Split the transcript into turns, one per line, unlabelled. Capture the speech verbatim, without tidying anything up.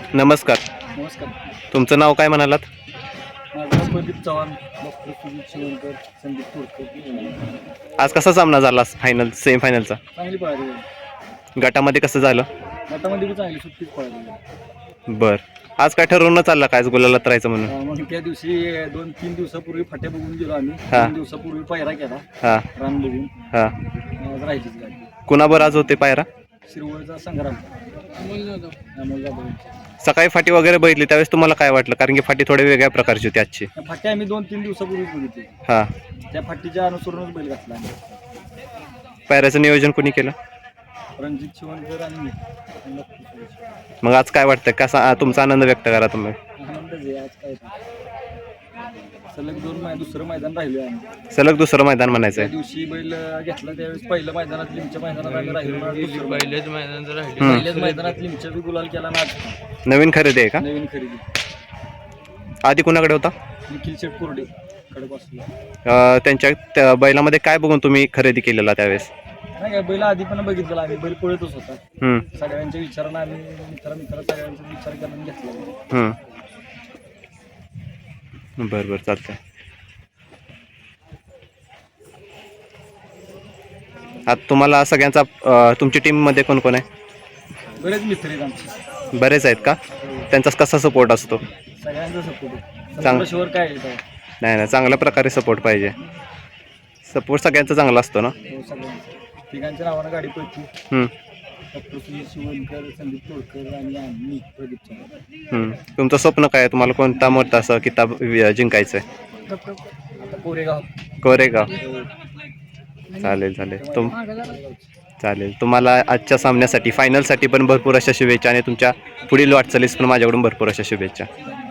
नमस्कार.
नमस्कार.
तुमचं नाव काय म्हणालात?
माझं प्रदीप चव्हाण, डॉक्टर सुजित शिवणकर, संदीप तोडकर.
आज कसा सामना झाला फायनल सेमीफायनलचा?
चांगली पळाली.
गटामध्ये कसं झालं?
गटामध्ये बी चांगली सुट्टीच पळाली.
बर. आज काय ठरवून चाललं काय गोलाला राहायचं म्हणून?
अं, मग त्या दिवशी दोन तीन दिवसापूर्वी फाट्या बघून गेलो आम्ही.
हा.
दोन दिवसापूर्वी पायरा केला
हां
रान बघून.
हां.
आज राहिलीच गाडी.
कुणाबर आज होते पायरा?
शिरवळचा संग्राम. अमोल जाधव. अमोल जाधव.
सकाळी फाटी वगैरे बघितली त्यावेळेस तुम्हाला काय वाटलं? कारण की फाटी थोड्या वेगळ्या प्रकारची होती आजची.
त्या फाट्या आम्ही दोन तीन दिवसापूर्वीच बघितली.
हां.
त्या फाटीच्या अनुसरूनच बैल घातला आम्ही.
पायऱ्याचं नियोजन कोणी केलं?
रणजित शिवणकर आणि मी.
मग आज काय वाटतं? कसा तुमचा आनंद व्यक्त करा तुम्ही?
आनंदच आहे आज. काय सलग दोन मै दुसरं मैदान राहिलं आम्ही.
सलग दुसरं मैदान म्हणायचं
त्या
आहे.
दिवशी बैल घेतला त्यावेळेस पहिलं मैदानात लिमच्या मैदानात आम्ही राहिलो.
पहिलेच मैदान राहिले.
पहिल्याच मैदानात लिमच्या बी गुलाल केला ना. आज
नवीन खरेदी आहे का?
नवीन खरेदी
आधी कुणाकडे होता?
निखिल शेट कोरडे कडे.
अं, त्यांच्या त्या बैलामध्ये काय बघून तुम्ही खरेदी केलेला त्यावेळेस?
नाही काय बैल आधी पण बघितलेला आम्ही. बैल पळतच होता.
हम्म,
सगळ्यांच्या विचारानं आम्ही मित्र मित्र सगळ्यांचा विचार करून घेतला.
हम्म. बरं बरं चालतंय. आता तुम्हाला सगळ्यांचा अं, तुमची टीममध्ये कोण कोण आहे?
बरेच मित्र आहेत आमचे.
बरेच आहेत का? त्यांचा कसा सपोर्ट असतो?
सगळ्यांचा सपोर्ट.
चांग-
शिवर काय आहे तेव्हा?
नाही नाही, चांगल्या प्रकारे सपोर्ट पाहिजे. सपोर्ट सगळ्यांचा चांगला असतो ना?
हो, सगळ्यांचा. तिघांच्या नावानं गाडी पळती.
हम्म,
डॉक्टर सुजित शिवणकर, संदीप तोडकर आणि आम्ही प्रदीप चव्हाण.
हम्म. तुमचं स्वप्न काय आहे? तुम्हाला कोणता मोठा असं किताब वि- जिंकायचं आहे?
आता कोरेगाव.
कोरेगाव. चालेल चालेल. तुम चालेल. तुम्हाला आजच्या सामन्यासाठी फायनलसाठी पण भरपूर अशा शुभेच्छा आणि तुमच्या पुढील वाटचालीस पण माझ्याकडून भरपूर अशा शुभेच्छा.